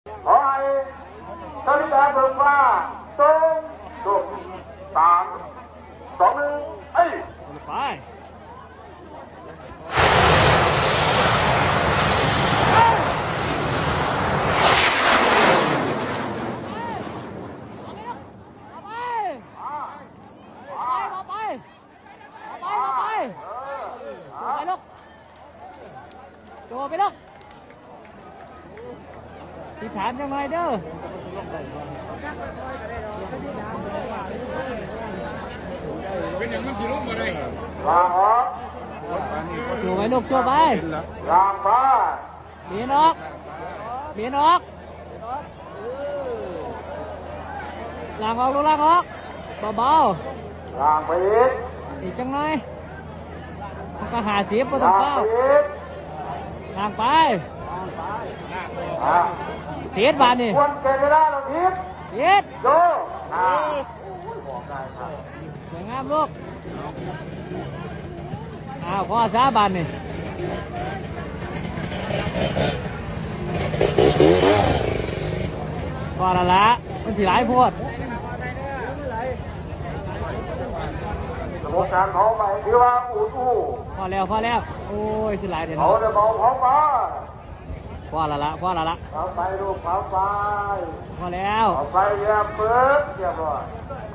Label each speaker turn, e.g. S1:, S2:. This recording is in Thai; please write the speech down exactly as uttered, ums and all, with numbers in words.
S1: ขอให้สริยาเบิกฟ้าทรงสุขสามสองหนึ่งเอ้ย
S2: ไปโจไปลูกที่ถามจังไงเด้อ
S3: เป็นอย่างมันสีลบมาเลย
S1: ลางออก
S2: โจไปลูกโจไป
S1: ลางฟ้า
S2: เบียนออกเบียนออกลางออกลูกลางออกเบา
S1: ๆลางไปอีก
S2: อีกจังไงมันก็หาเสียบไปต้องเป้าลางไปเทียดบานนี่
S1: ควรเกิดเวลาเราเทียด
S2: เทียด
S1: โจอ่าบอกได้ครับ
S2: สวยงามลูกอ้าวพ่อซาบานนี่พอละละมันสิหลายพวด
S1: สมการเขาไปที่ว่าอูทู
S2: พอแล้วพอแล้วโอ้ยสิหลายเดี๋ยว
S1: เขาจะบอกเขาไป
S2: พอละละพอละละ
S1: เขาไปลูกเขาไป
S2: พอแล้ว
S1: เขาไปเรียบเปิดเรียบร้อย